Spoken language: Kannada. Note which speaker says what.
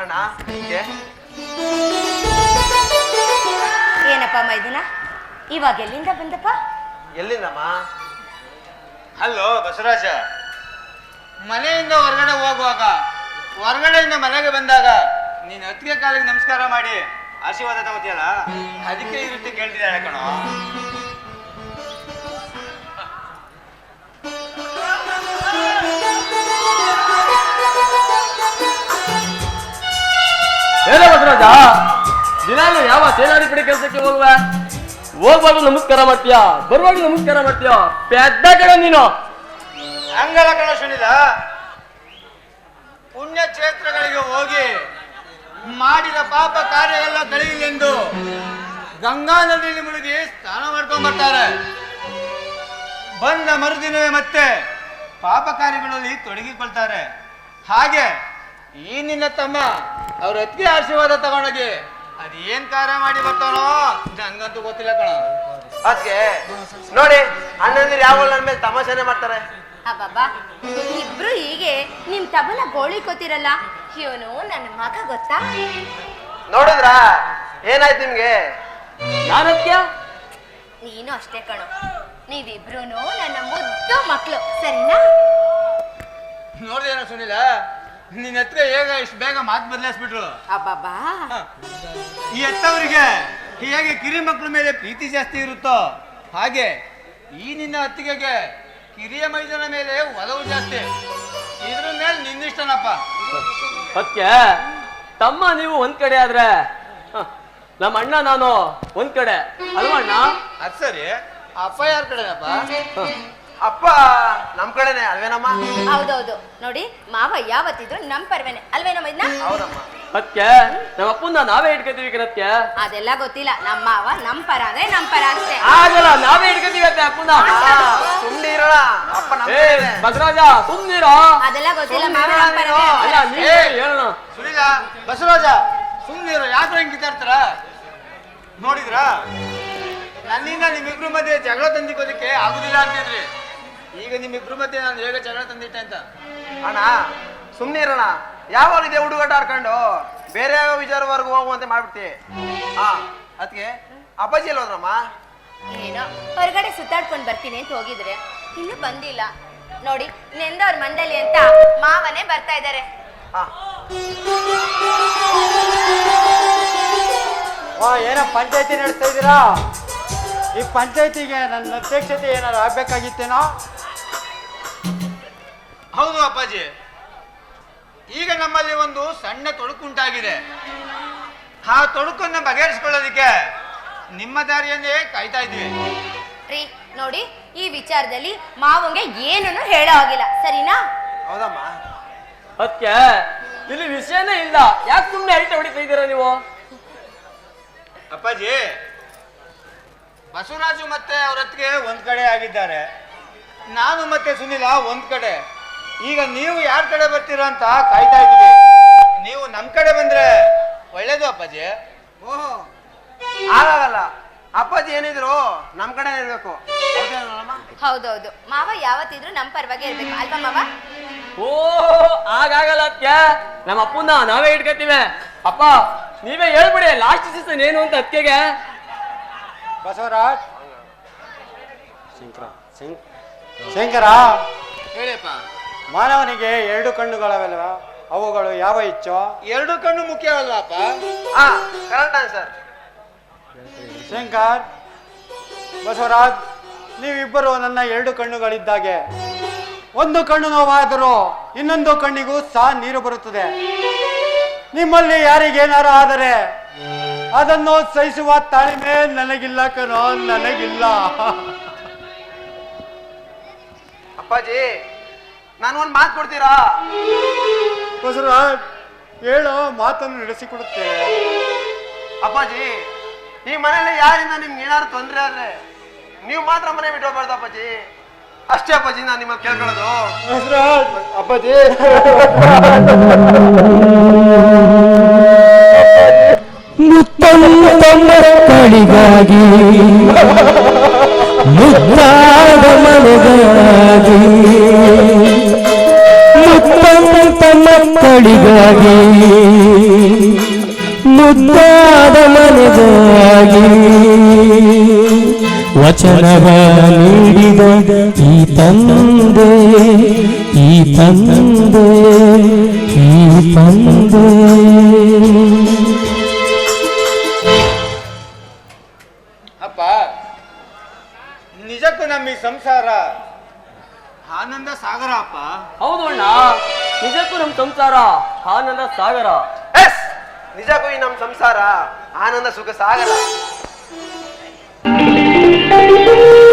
Speaker 1: ಅಣ್ಣ
Speaker 2: ಏನಪ್ಪ ಮೈದುನ, ಇವಾಗ ಎಲ್ಲಿಂದ ಬಂದಪ್ಪ?
Speaker 1: ಎಲ್ಲಿಂದಮ್ಮ?
Speaker 3: ಹಲೋ ಬಸವರಾಜ, ಮನೆಯಿಂದ ಹೊರಗಡೆ ಹೋಗುವಾಗ, ಹೊರಗಡೆಯಿಂದ ಮನೆಗೆ ಬಂದಾಗ ನೀನ್ ಅತ್ತಿಗೆ ಕಾಲಿಗೆ ನಮಸ್ಕಾರ ಮಾಡಿ ಆಶೀರ್ವಾದ ತಗೋತಿಯಲ್ಲ, ಅದಕ್ಕೆ ಈ ರೀತಿ ಕೇಳ್ತಿದ್ದಾಳೆ ಕಣೋ.
Speaker 4: ಏನ ಬಸವರಾಜ, ದಿನಾಲು ಯಾವ ಸೇನಾಡಿ ಕಡೆ ಕೆಲಸಕ್ಕೆ ಹೋಗ್ಬಾರ್ದು ನಮಸ್ಕಾರ ಮಾಡ್ತೀಯಾ, ಬರುವಾಗ ನಮಸ್ಕಾರ ಮಾಡ್ತೀಯಾ? ಪೆದ್ದ ಕಡೆ ನೀನು.
Speaker 3: ಹಂಗಲ್ಲ ಕಣ ಸುನಿಲ, ಪುಣ್ಯ ಕ್ಷೇತ್ರಗಳಿಗೆ ಹೋಗಿ ಮಾಡಿದ ಪಾಪ ಕಾರ್ಯ ಎಲ್ಲ ಕಳೆಯಲೆಂದು ಗಂಗಾ ನದಿಯಲ್ಲಿ ಮುಳುಗಿ ಸ್ನಾನ ಮಾಡ್ಕೊಂಡ್ ಬರ್ತಾರೆ. ಬಂದ ಮರುದಿನವೇ ಮತ್ತೆ ಪಾಪ ಕಾರ್ಯಗಳಲ್ಲಿ ತೊಡಗಿಕೊಳ್ತಾರೆ. ಹಾಗೆ ಈ ನಿನ್ನ ತಮ್ಮ ಅವ್ರ ಅತ್ತಿಗೆ ಆಶೀರ್ವಾದ ತಗೊಂಡೋಗಿ ಅದೇನ್ ಕಾರ್ಯ ಮಾಡಿ ಬರ್ತಾನೋ ನಂಗಂತೂ ಗೊತ್ತಿಲ್ಲ ಕಣ.
Speaker 1: ಅದಕ್ಕೆ ನೋಡಿ, ಅಣ್ಣಂದಿರು ಯಾವ ನನ್ನ ಮೇಲೆ ತಮಾಷೆನೆ ಮಾಡ್ತಾರೆ.
Speaker 2: ಅಬ್ಬಬ್ಬಾ, ಇಬ್ರು ಹೀಗೆ ನಿಮ್ ತಬಲ ಗೋಳಿ ಕೊತ್ತಿರಲ್ಲ, ಇವನು ನನ್ನ ಮಗ ಗೊತ್ತಾ?
Speaker 1: ನೋಡಿದ್ರಾ ಏನಾಯ್ತು ನಿಮ್ಗೆ?
Speaker 4: ನಾನತ್ಯ
Speaker 2: ನೀನು ಅಷ್ಟೇ ಕಣೋ, ನೀವಿಬ್ರು ನನ್ನ ಮುದ್ದು ಮಕ್ಕಳು, ಸರಿನಾ?
Speaker 3: ನೋಡ್ದೇನೋ ಸುನಿಲ, ನಿನ್ನ ಹತ್ರ ಹೇಗ ಇಷ್ಟು ಬೇಗ ಮಾತು ಬದಲಾಯಿಸ್ಬಿಟ್ರು.
Speaker 2: ಅಬ್ಬಬ್ಬಾ,
Speaker 3: ಈ ಎತ್ತವರಿಗೆ ಹೇಗೆ ಕಿರಿ ಮಕ್ಕಳ ಮೇಲೆ ಪ್ರೀತಿ ಜಾಸ್ತಿ ಇರುತ್ತೋ ಹಾಗೆ ಈ ನಿನ್ನ ಅತ್ತಿಗೆಗೆ ಕಿರಿಯ ಮೈದನ ಮೇಲೆ ಒಲವು ಜಾಸ್ತಿ. ಇದ್ರ ಮೇಲೆ ನಿನ್ನಿಷ್ಟನಪ್ಪ.
Speaker 4: ಸತ್ಯ ತಮ್ಮ ನೀವು ಒಂದ್ ಕಡೆ ಆದ್ರೆ ನಮ್ಮ ಅಣ್ಣ ನಾನು ಒಂದ್ ಕಡೆ ಅಲ್ವಾ ಅಣ್ಣ?
Speaker 3: ಅದ್ ಸರಿ, ಅಪ್ಪ ಯಾರ ಕಡೆನಪ್ಪ?
Speaker 1: ಅಪ್ಪ ನಮ್ ಕಡೆನೆ ಅಲ್ವೇನಮ್ಮ?
Speaker 2: ಹೌದೌದು. ನೋಡಿ, ಮಾವ ಯಾವತ್ತಿದ್ರು ನಮ್ ಪರ್ವೇನೆ ಅಲ್ವೇನ ಮೈದ್ನ?
Speaker 1: ಹೌದಮ್ಮ.
Speaker 4: ಸತ್ಯ ನಮ್ಮ ಅಪ್ಪನ ನಾವೇ ಇಟ್ಕೋತೀವಿ ಕಣತ್ಯ.
Speaker 2: ಅದೆಲ್ಲ ಗೊತ್ತಿಲ್ಲ, ನಮ್ಮ ಮಾವ ನಮ್ ಪರ ಅಂದ್ರೆ ನಮ್ ಪರ ಅಷ್ಟೇ.
Speaker 4: ಆಗಲ್ಲ, ನಾವೇ ಇಟ್ಕೋತೀವಿ ಅತ್ತೆ ಅಪ್ಪನ.
Speaker 1: ಸುಮ್ನೆ ಇರೋಣ, ಅಪ್ಪ ನಮ್
Speaker 4: ಏ
Speaker 1: ಕಡೆನೆ.
Speaker 4: ಬಸವರಾಜ ಸುಮ್ನಿರೋ.
Speaker 2: ಅದೆಲ್ಲ ಗೊತ್ತಿಲ್ಲ, ಮಾವ ನಮ್ ಪರನೇ.
Speaker 4: ಅಲ್ಲ ನೀ ಹೇಳೋಣ.
Speaker 3: ಸುನಿಲ, ಬಸವರಾಜ ಸುಮ್ಮನಿರು, ಯಾಕೆ ಹಿಂಗ್ ಕಿತ್ತಾಡ್ತಾರ? ನೋಡಿದ್ರ ನನ್ನಿಂದ ನಿಮ್ಮಿಬ್ರು ಮಧ್ಯೆ ಜಗಳ ತಂದಿಕ್ಕೋದಕ್ಕೆ ಆಗುದಿಲ್ಲ ಅಂತಿದ್ರಿ. ಈಗ ನಿಮ್ಮಿಬ್ರು ಮಧ್ಯೆ ನಾನು ಹೇಗೆ ಜಗಳ ತಂದಿಟ್ಟೆ ಅಂತ.
Speaker 1: ಅಣ್ಣ ಸುಮ್ನೆ ಇರೋಣ, ಯಾವಾಗ ಇದೆ ಹುಡುಗಾಟ ಆಡ್ಕೊಂಡು ಬೇರೆ ಯಾವ ವಿಚಾರವರೆಗೂ ಹೋಗುವಂತೆ ಮಾಡ್ಬಿಡ್ತಿ. ಹಾ, ಅದಕ್ಕೆ ಅಪ್ಪಾಜಿ ಎಲ್ಲ ಹೋದ್ರಮ್ಮ?
Speaker 2: ಏನೋ ಹೊರಗಡೆ ಸುತ್ತಾಡ್ಕೊಂಡ್ ಬರ್ತೀನಿ ಅಂತ ಹೋಗಿದ್ರೆ ಇನ್ನು ಬಂದಿಲ್ಲ. ನೋಡಿ, ನೆಂದವ್ರ ಮಂಡಳಿ ಅಂತ ಮಾವನೇ ಬರ್ತಾ ಇದ್ದಾರೆ.
Speaker 5: ಏನೋ ಪಂಚಾಯತಿ ನಡೆಸ್ತಾ ಇದ್ದೀರಾ? ಈ ಪಂಚಾಯತಿಗೆ ನನ್ನ ಅಧ್ಯಕ್ಷತೆ ಏನಾದ್ರು ಆಗ್ಬೇಕಾಗಿತ್ತೇನೋ?
Speaker 3: ಹೌದು ಅಪ್ಪಾಜಿ, ಈಗ ನಮ್ಮಲ್ಲಿ ಒಂದು ಸಣ್ಣ ತೊಡಕುಂಟಾಗಿದೆ. ಆ ತೊಡಕನ್ನು ಬಗೆಹರಿಸಿಕೊಳ್ಳೋದಕ್ಕೆ ನಿಮ್ಮ ದಾರಿಯನ್ನೇ ಕಾಯ್ತಾ ಇದ್ವಿ.
Speaker 2: ರೀ ನೋಡಿ, ಈ ವಿಚಾರದಲ್ಲಿ ಮಾವಂಗೆ ಏನನ್ನು ಹೇಳೋ ಆಗಿಲ್ಲ, ಸರಿನಾ?
Speaker 1: ಹೌದಮ್ಮ.
Speaker 4: ಸತ್ಯ ಇಲ್ಲಿ ವಿಷಯನೇ ಇಲ್ಲ, ಯಾಕೆ ಸುಮ್ನೆ ಅರಿಟ ಹೊಡಿತಾ ಇದ್ದೀರಾ ನೀವು?
Speaker 3: ಅಪ್ಪಾಜಿ, ಬಸವರಾಜು ಮತ್ತೆ ಅವ್ರ ಹತ್ತಿಗೆ ಒಂದ್ ಕಡೆ ಆಗಿದ್ದಾರೆ, ನಾನು ಮತ್ತೆ ಸುನಿಲ ಒಂದ್ ಕಡೆ. ಈಗ ನೀವು ಯಾರ ಕಡೆ ಬರ್ತೀರಾ ಅಂತ ಕಾಯ್ತಾ ಇದ್ದೀವಿ. ನೀವು ನಮ್ ಕಡೆ ಬಂದ್ರೆ ಒಳ್ಳೇದು ಅಪ್ಪಾಜಿ.
Speaker 1: ಓಹೋ, ಆಗಲ್ಲ. ಅಪ್ಪಾಜಿ ಏನಿದ್ರು ನಮ್ ಕಡೆ ಇರ್ಬೇಕು.
Speaker 2: ಹೌದೌದು, ಮಾವ ಯಾವತ್ತಿದ್ರು ನಮ್ ಪರವಾಗಿ ಇರ್ಬೇಕು ಅಲ್ವಾ ಮಾವ?
Speaker 4: ಓ ಆಗಾಗಲ್ಲ ಅತ್ಯ, ನಮ್ಮ ಅಪ್ಪನ ನಾವೇ ಇಟ್ಕೋತೀವಿ. ಅಪ್ಪ ನೀವೇ ಹೇಳ್ಬಿಡಿ ಲಾಸ್ಟ್ ಸೀಸನ್ ಏನು ಅಂತ ಅತ್ತಿಗೆ.
Speaker 5: ಬಸವರಾಜ್, ಶಂಕರ,
Speaker 3: ಹೇಳಿಯಪ್ಪ.
Speaker 5: ಮಾನವನಿಗೆ 2 ಕಣ್ಣುಗಳವಲ್ಲ, ಅವುಗಳು ಯಾವ ಇಚ್ಚೋ?
Speaker 3: 2 ಕಣ್ಣು ಮುಖ್ಯವಲ್ಲಪ್ಪ?
Speaker 1: ಹಾ, ಕರೆಕ್ಟ್ ಆನ್ಸರ್.
Speaker 5: ಶಂಕರ್, ಬಸವರಾಜ್, ನೀವಿಬ್ಬರು ನನ್ನ 2 ಕಣ್ಣುಗಳಿದ್ದಾಗೆ. ಒಂದು ಕಣ್ಣು ನೋವಾದರೂ ಇನ್ನೊಂದು ಕಣ್ಣಿಗೂ ಸಹ ನೀರು ಬರುತ್ತದೆ. ನಿಮ್ಮಲ್ಲಿ ಯಾರಿಗೇನಾರು ಆದರೆ ಅದನ್ನು ಸಹಿಸುವ ತಾಳ್ಮೆ ನನಗಿಲ್ಲ ಕಣೋ, ನನಗಿಲ್ಲ.
Speaker 1: ಅಪ್ಪಾಜಿ ನಾನು ಮಾತು ಕೊಡ್ತೀರಾ?
Speaker 5: ಬಸವರಾಜ್, ಹೇಳೋ ಮಾತನ್ನು ನಡೆಸಿಕೊಡುತ್ತೇವೆ.
Speaker 1: ಅಪ್ಪಾಜಿ, ಈ ಮನೇಲಿ ಯಾರಿಂದ ನಿಮ್ಗೆ ಏನಾದ್ರು ತೊಂದರೆ ಆದ್ರೆ ನೀವು ಮಾತ್ರ ಮನೆ ಬಿಟ್ಟು ಹೋಗ್ಬಾರ್ದು ಅಪ್ಪಾಜಿ. ಅಷ್ಟೇ ಅಪ್ಪಾಜಿ ನಾನು ನಿಮ್ಮಲ್ಲಿ ಕೇಳ್ಕೊಳ್ಳೋದು.
Speaker 5: ಬಸವರಾಜ್, ಅಪ್ಪಾಜಿ,
Speaker 6: ಮಕ್ಕಳಿಗಾಗಿ ಮುದ್ದಾದ ಮನೆಗಾಗಿ ಮುತ್ತಂತ ಮಕ್ಕಳಿಗಾಗಿ ಮುದ್ದಾದ ಮನೆಗಾಗಿ ವಚನವ ನೀಡಿದ ಈ ತಂದೆ ಈ ತಂದೆ ಈ ತಂದೆ.
Speaker 3: ಅಪ್ಪ ನಿಜಕ್ಕೂ ನಮ್ಮ ಈ ಸಂಸಾರ ಆನಂದ ಸಾಗರ ಅಪ್ಪ.
Speaker 4: ಹೌದು ಅಣ್ಣ, ನಿಜಕ್ಕೂ ನಮ್ ಸಂಸಾರ ಆನಂದ ಸಾಗರ.
Speaker 1: ಎಸ್, ನಿಜಕ್ಕೂ ಈ ನಮ್ಮ ಸಂಸಾರ ಆನಂದ ಸುಖ ಸಾಗರ.